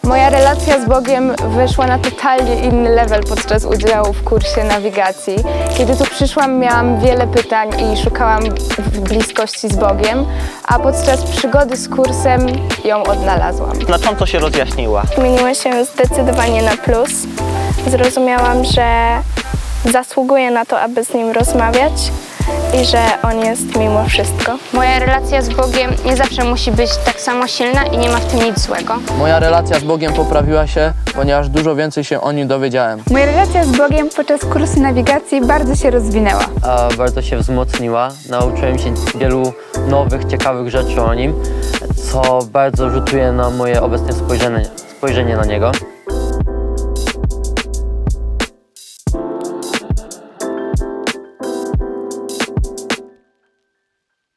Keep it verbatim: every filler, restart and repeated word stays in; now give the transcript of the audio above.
Moja relacja z Bogiem wyszła na totalnie inny level podczas udziału w kursie nawigacji. Kiedy tu przyszłam, miałam wiele pytań i szukałam bliskości z Bogiem, a podczas przygody z kursem ją odnalazłam. Znacząco się rozjaśniła. Zmieniło się zdecydowanie na plus. Zrozumiałam, że zasługuję na to, aby z nim rozmawiać i że on jest mimo wszystko. Moja relacja z Bogiem nie zawsze musi być tak samo silna i nie ma w tym nic złego. Moja relacja z Bogiem poprawiła się, ponieważ dużo więcej się o nim dowiedziałem. Moja relacja z Bogiem podczas kursu nawigacji bardzo się rozwinęła. A bardzo się wzmocniła. Nauczyłem się wielu nowych, ciekawych rzeczy o nim, co bardzo rzutuje na moje obecne spojrzenie, spojrzenie na niego.